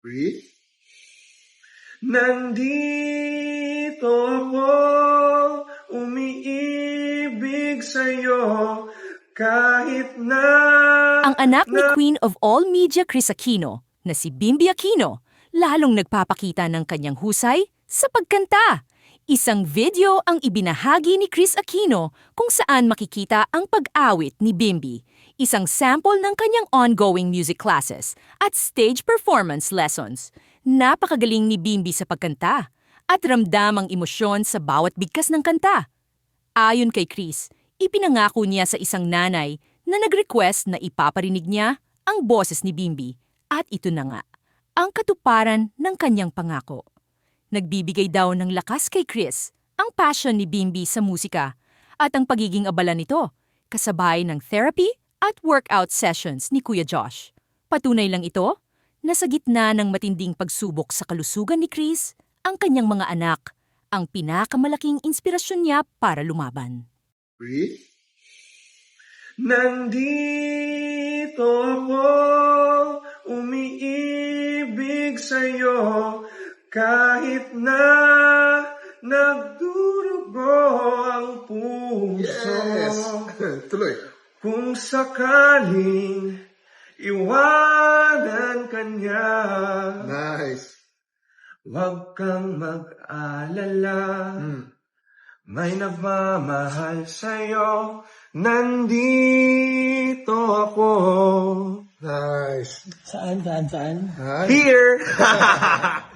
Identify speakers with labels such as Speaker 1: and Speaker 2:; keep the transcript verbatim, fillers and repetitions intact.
Speaker 1: Breathe.
Speaker 2: Nandito ako, umiibig sa'yo, kahit na...
Speaker 3: Ang anak ni Queen of All Media Kris Aquino na si Bimby Aquino lalong nagpapakita ng kanyang husay sa pagkanta. Isang video ang ibinahagi ni Kris Aquino kung saan makikita ang pag-awit ni Bimby, isang sample ng kanyang ongoing music classes at stage performance lessons. Napakagaling ni Bimby sa pagkanta at ramdam ang emosyon sa bawat bigkas ng kanta. Ayon kay Kris, ipinangako niya sa isang nanay na nag-request na ipaparinig niya ang boses ni Bimby at ito na nga, ang katuparan ng kanyang pangako. Nagbibigay daw ng lakas kay Kris ang passion ni Bimby sa musika at ang pagiging abala nito, kasabay ng therapy at workout sessions ni Kuya Josh. Patunay lang ito na sa gitna ng matinding pagsubok sa kalusugan ni Kris, ang kanyang mga anak ang pinakamalaking inspirasyon niya para lumaban.
Speaker 1: Breathe.
Speaker 2: Nandito ako, umiibig sa'yo, kahit na nagdurugo ang puso.
Speaker 1: Yes. Tuloy.
Speaker 2: Kung sakaling iwanan ka niya,
Speaker 1: Nice.
Speaker 2: huwag kang mag-alala.
Speaker 1: Hmm.
Speaker 2: May nagmamahal sa'yo, nandito ako.
Speaker 1: Nice.
Speaker 4: Saan, saan, saan?
Speaker 1: Nice.
Speaker 2: Here!